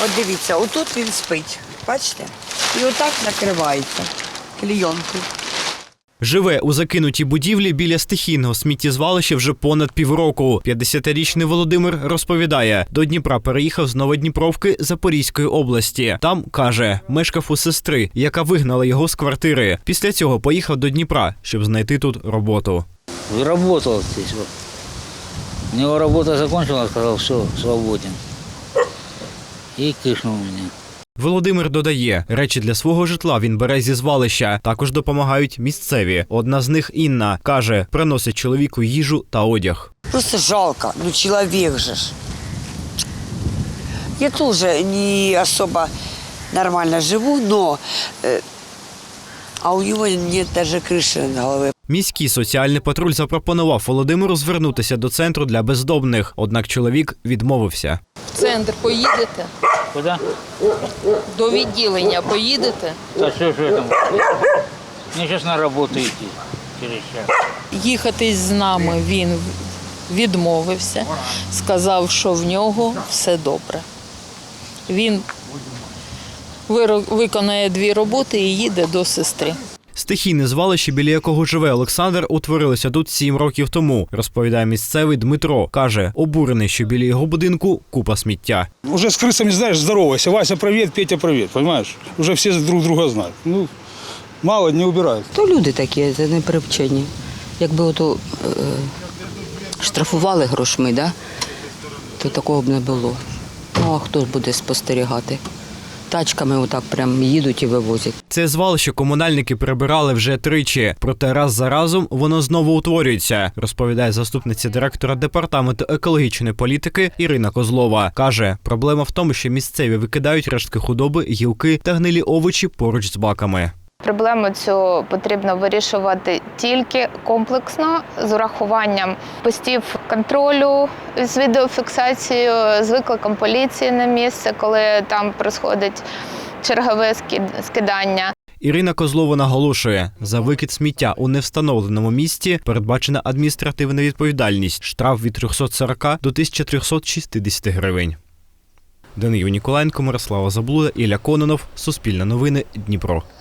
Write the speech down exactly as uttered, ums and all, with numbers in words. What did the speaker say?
От дивіться, отут він спить, бачите? І отак накривається клійонкою. Живе у закинутій будівлі біля стихійного сміттєзвалища вже понад півроку. п'ятдесятирічний Володимир розповідає, до Дніпра переїхав з Новодніпровки Запорізької області. Там, каже, мешкав у сестри, яка вигнала його з квартири. Після цього поїхав до Дніпра, щоб знайти тут роботу. Работал здесь. Вот. У него работа закончилась, сказал, все, свободен. И кишнул меня. Володимир додає, речі для свого житла він бере зі звалища. Також допомагають місцеві. Одна з них, Інна, каже, приносить чоловіку їжу та одяг. Просто жалко, ну чоловік же ж. Я теж не особо нормально живу, но э, а у нього нет даже криші над головою. Міський соціальний патруль запропонував Володимиру звернутися до центру для бездомних, однак чоловік відмовився. В центр поїдете? Куда? До відділення поїдете? Да что же это? Мне сейчас на работу идти через час. Їхати з нами він відмовився, сказав, що в нього все добре. Він виро- виконає дві роботи і їде до сестри. Стихійне звалище, біля якого живе Олександр, утворилося тут сім років тому, розповідає місцевий Дмитро. Каже, обурений, що біля його будинку купа сміття. Уже с крысами, знаешь, здоровайся. Вася, привет, Петя, привет, понимаешь? Уже все друг друга знают. Ну, мало не убирают. То люди такі, це не привчені. Якби ото е, штрафували грошми, да, то такого б не було. Ну, а хто ж буде спостерігати? Тачками отак прям їдуть і вивозять. Це звалище комунальники прибирали вже тричі, проте раз за разом воно знову утворюється, розповідає заступниця директора департаменту екологічної політики Ірина Козлова. Каже, проблема в тому, що місцеві викидають рештки худоби, гілки та гнилі овочі поруч з баками. Проблему цю потрібно вирішувати тільки комплексно, з урахуванням постів контролю з відеофіксацією, з викликом поліції на місце, коли там проходить чергове скидання. Ірина Козлова наголошує, за викид сміття у невстановленому місці передбачена адміністративна відповідальність, штраф від трьохсот сорока до тисячі трьохсот шістдесят гривень. Данило Ніколаєнко, Мирослава Заблуда, Ілля Кононов, Суспільне новини, Дніпро.